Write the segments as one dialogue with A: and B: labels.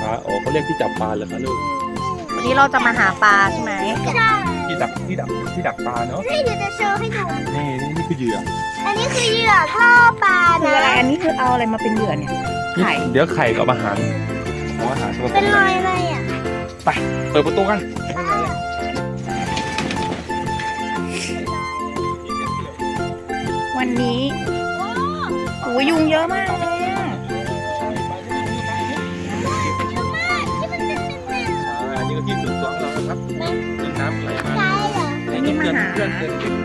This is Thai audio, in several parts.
A: คะอ๋อเขาเรียกที่จับปลาเหรอคะลูก
B: วันนี้เราจะมาหาปลาใช่ไหม
A: ที่ดักปลาเนาะ
C: ให้เดี๋ยวจะโชว์ให้ดู
A: นี่คือเหยื่อ
C: อันนี้คือเหยื่อล่อปลา
B: คืออะไร
C: นะ
B: อันนี้คือเอาอะไรมาเป็นเหยื่อเนี่ย ไข่
A: เดี๋ยวไข่กับอาหารตัว
C: เป็นรอยอะไรอ่ะ
A: ไปเปิดประตูกัน
B: วันนี้โอ้ยยุงเยอะมากเลยอะ
A: อันนี้ก็ที่สุดของเราครับน้ำไหลมา
C: ใช่เหรอ
B: อันนี้มาหา
A: เพื่อน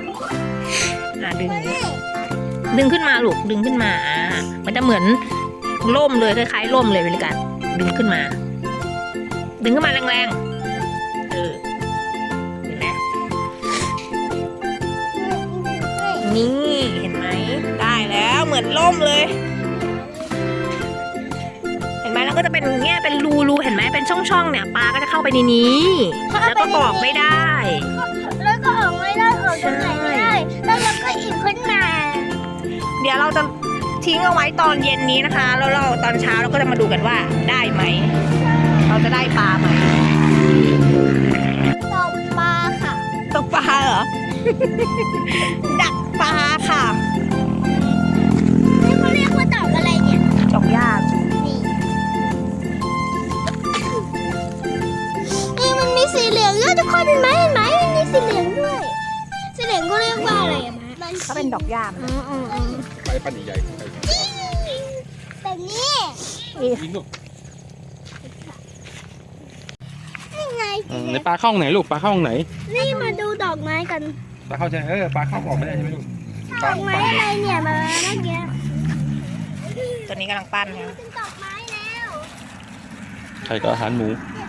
B: ดึงขึ้นมาลูกดึงขึ้นมามันจะเหมือนล่มเลยคล้ายๆล่มเลยเวลาการดึงขึ้นมา ดึงขึ้นมาแรงๆเห็นไหมนี่เห็นไหมได้แล้วเหมือนล่มเลย เห็นไหมแล้วก็จะเป็นอย่างเงี้ยเป็นรูเห็นไหมเป็นช่องๆเนี่ยปลาก็จะเข้าไปในนี้แล้วก็ออกไม่ได้
C: แล้วก็ออกไม่ได้ออกจากไหนไม่ได้แล้วเราก็อีกขึ้นมา
B: เดี๋ยวเราจะทิ้งเอาไว้ตอนเย็นนี้นะคะแล้วเราตอนเช้าเราก็จะมาดูกันว่าได้ไหมเราจะได้ปลาไหม
C: ตกปลาค่ะ
B: ตกปลาเหรอ ดักปลาค่ะ
C: นี่เขาเรียกว่าดอกอะไรเนี่ย
B: จอกยาก
C: นี่มันมีสีเหลืองด้วยทุกคนเห็นไหมมันมีสีเหลืองด้วยสีเหลืองก็เรียกว่าอะไรอะมะ
B: ก็เป็นดอกยาม
A: ไปปั้นใหญ่
C: แบบนี้
A: ยิงลูก
C: นี่ไง
A: ในปลาเข้าไหนลูกปลาเข้าไหน
C: นี่มาดูดอกไม้กัน
A: ปลาเข้าใจปลาเข้าออกไม่ได้ใช่ไหมลูก
C: ดอกไม้อะไรเนี่ยมาเมื่อกี้
B: ตัวนี้กำลังปั้นนะ
C: เป็นดอกไม้แล้ว
A: ไข่กับอาหารหมู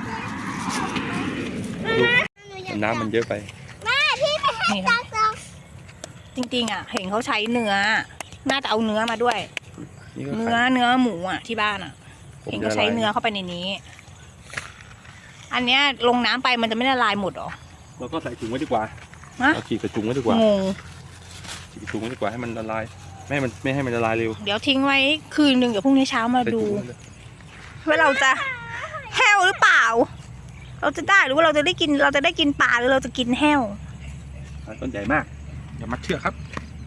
A: ลูกน้ำมันเยอะไป
C: แม่พี่ไปให้ตาซอง
B: จริงๆอ่ะเห็นเขาใช้เนื้อน่าจะเอาเนื้อมาด้วย
A: นี่ก็
B: เนื้
A: ไข่
B: อหมูอ่ะที่บ้านอ่ะเห็นเขาใช้เนื้อเข้าไปในนี้ อันเนี้ยลงน้ำไปมันจะไม่ละลายหมดหรอ
A: เราก็ใส่ถุงไว้ดีกว่า
B: ฮะ
A: เราฉีกใส่ถุงไว้ดีกว่าง
B: ง
A: ฉีกถุงไว้ดีกว่าให้มันละลายไม่ให้มันละลายเร็ว
B: เดี๋ยวทิ้งไว้คืนหนึ่งเดี๋ยวพรุ่งนี้เช้ามาดูว่าเราจะแห้วหรือเปล่า เราจะได้หรือว่าเราจะได้กินปลาหรือเราจะกินแห้ว
A: ต้นใหญ่มากอย่ามัดเชือกครับ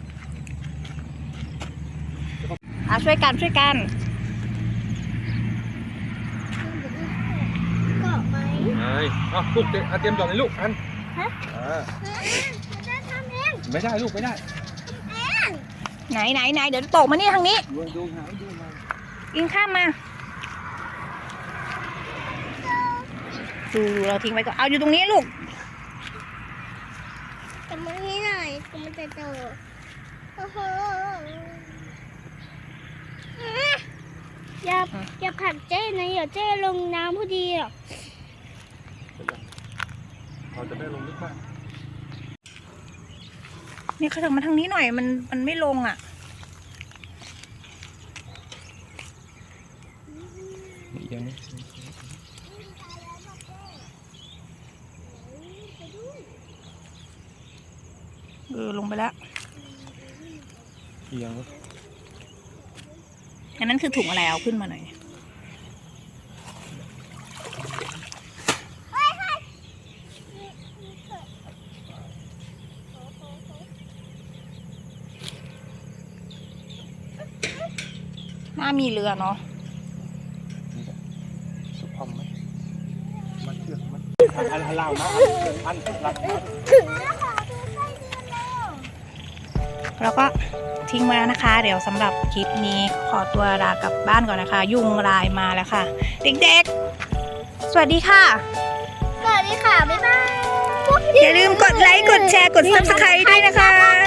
B: ช่วยกัน
C: เกาะไหม
A: ลูกเตรียมหย่อนเลยลูกอัน
C: จะทำเอง
A: ไม่ได้ลูกไม่ได้
B: ไหนเดี๋ยวตกมานี่ทางนี้
A: ดูหาดูมา
B: ยิงข้ามมาดูเราทิ้งไว้ก่อนเอาอยู่ตรงนี้ลูก
C: แต่มันนี่หน่อยมันจะโตโอ้โหอย่าผลักเจ้นะอย่าเจ้ลงน้ำพอดีหรอก
A: เราจะไม่ลงลึกมาก
B: นี่เขาถึงมาทางนี้หน่อยมันไม่ลงอ่ะ
A: ยังไม่
B: ลงไปแล้ว
A: ยัง
B: อันนั้นคือถุงอะไรเอาขึ้นมาหน่อยน่ามีเรือเนาะ
A: สุพรรณไหมมัดเชือกมัดอันเล่านะอันหลัก
B: แล้วก็ทิ้งไว้แล้วนะคะ เดี๋ยวสำหรับคลิปนี้ขอตัวลากลับบ้านก่อนนะคะ ยุงลายมาแล้วค่ะ เด็กๆ สวัสดีค่ะ
C: สวัสดีค่ะ บ๊ายบาย
B: อย่าลืมกดไลค์ กดแชร์ กด Subscribe ด้วยนะคะ